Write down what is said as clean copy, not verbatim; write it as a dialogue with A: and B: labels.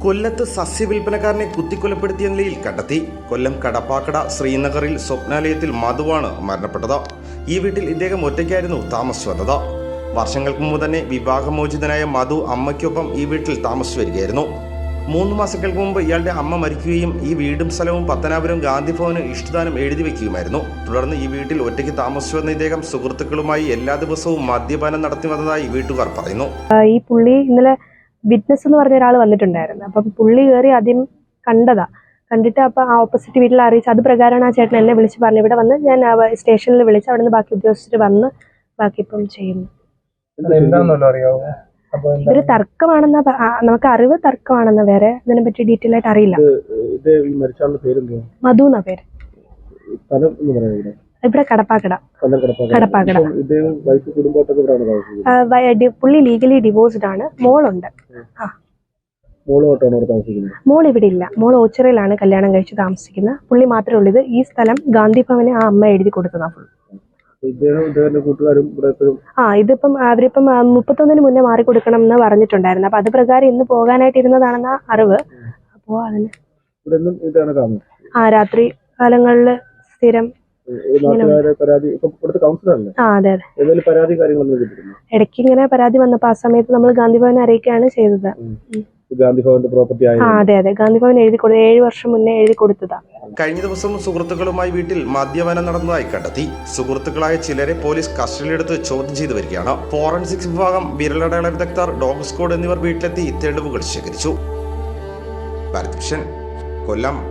A: കൊല്ലത്ത് സസ്യവിൽപ്പനക്കാരനെ കുത്തിക്കൊലപ്പെടുത്തിയ നിലയിൽ കണ്ടെത്തി. കൊല്ലം കടപ്പാക്കട ശ്രീനഗറിൽ സ്വപ്നാലയത്തിൽ മധുവാണ് മരണപ്പെട്ടത്. ഈ വീട്ടിൽ ഇദ്ദേഹം ഒറ്റയ്ക്കായിരുന്നു താമസിച്ചു വന്നത്. വർഷങ്ങൾക്ക് മുമ്പ് തന്നെ വിവാഹമോചിതനായ മധു അമ്മയ്ക്കൊപ്പം ഈ വീട്ടിൽ താമസിച്ചു വരികയായിരുന്നു. 3 മാസങ്ങൾക്ക് മുമ്പ് ഇയാളുടെ അമ്മ മരിക്കുകയും ഈ വീടും സ്ഥലവും പത്തനാപുരം ഗാന്ധിഭവന് ഇഷ്ടദാനം എഴുതി വയ്ക്കുകയുമായിരുന്നു. തുടർന്ന് ഈ വീട്ടിൽ ഒറ്റയ്ക്ക് താമസിച്ചു വന്ന ഇദ്ദേഹം സുഹൃത്തുക്കളുമായി എല്ലാ ദിവസവും മദ്യപാനം നടത്തി വന്നതായി വീട്ടുകാർ പറയുന്നു.
B: ഈ പുള്ളി ഇന്നലെ വിറ്റ്നസ് എന്ന് പറഞ്ഞ ഒരാൾ വന്നിട്ടുണ്ടായിരുന്നു. അപ്പം പുള്ളി കയറി ആദ്യം കണ്ടിട്ട് അപ്പം ആ ഓപ്പോസിറ്റ് വീട്ടിൽ അറിയിച്ചു. അത് പ്രകാരമാണ് ആ ചേട്ടൻ എന്നെ വിളിച്ച് പറഞ്ഞു. ഇവിടെ വന്ന് ഞാൻ സ്റ്റേഷനിൽ വിളിച്ച് അവിടെ നിന്ന് ബാക്കി ഉദ്യോഗസ്ഥർ വന്ന് ബാക്കി ഇപ്പം ചെയ്യുന്നു. ഇതൊരു തർക്കമാണെന്ന നമുക്ക് അറിവ് തർക്കമാണെന്ന, വേറെ ഇതിനെ പറ്റി ഡീറ്റെയിൽ ആയിട്ട് അറിയില്ല. മധു എന്നാ പേര്. ഇവിടെ കടപ്പാക്കട. പുള്ളി ലീഗലി ഡിവോഴ്സ്ഡ് ആണ്. മോളുണ്ട്. മോൾ ഇവിടെ ഇല്ല. മോൾ ഓച്ചിറയിലാണ് കല്യാണം കഴിച്ച് താമസിക്കുന്നത്. പുള്ളി മാത്രമേ ഉള്ളൂ. ഈ സ്ഥലം ഗാന്ധിഭവന് ആ അമ്മ എഴുതി കൊടുത്തതാ. ഇതിപ്പം അവരിപ്പം 31 മുന്നേ മാറിക്കൊടുക്കണം എന്ന് പറഞ്ഞിട്ടുണ്ടായിരുന്നു. അപ്പൊ അത് പ്രകാരം ഇന്ന് പോകാനായിട്ട് ഇരുന്നതാണെന്ന അറിവ്. അപ്പോ അതിന് രാത്രി കാലങ്ങളില് സ്ഥിരം ഇടയ്ക്ക് ഇങ്ങനെ പരാതി വന്നപ്പോ ആ സമയത്ത് നമ്മൾ ഗാന്ധിഭവനെ അറിയിക്കുകയാണ് ചെയ്തത്. അതെ, ഗാന്ധിഭവൻ 7 വർഷം മുന്നേ എഴുതി കൊടുത്തതാ.
A: കഴിഞ്ഞ ദിവസം സുഹൃത്തുക്കളുമായി വീട്ടിൽ മദ്യപാനം നടന്നതായി കണ്ടെത്തി. സുഹൃത്തുക്കളായ ചിലരെ പോലീസ് കസ്റ്റഡിയിലെടുത്ത് ചോദ്യം ചെയ്തു വരികയാണ്. ഫോറൻസിക്സ് വിഭാഗം, വിരലടയാള വിദഗ്ധർ, ഡോഗ് സ്ക്വാഡ് എന്നിവർ വീട്ടിലെത്തി തെളിവുകൾ ശേഖരിച്ചു. കൊല്ലം.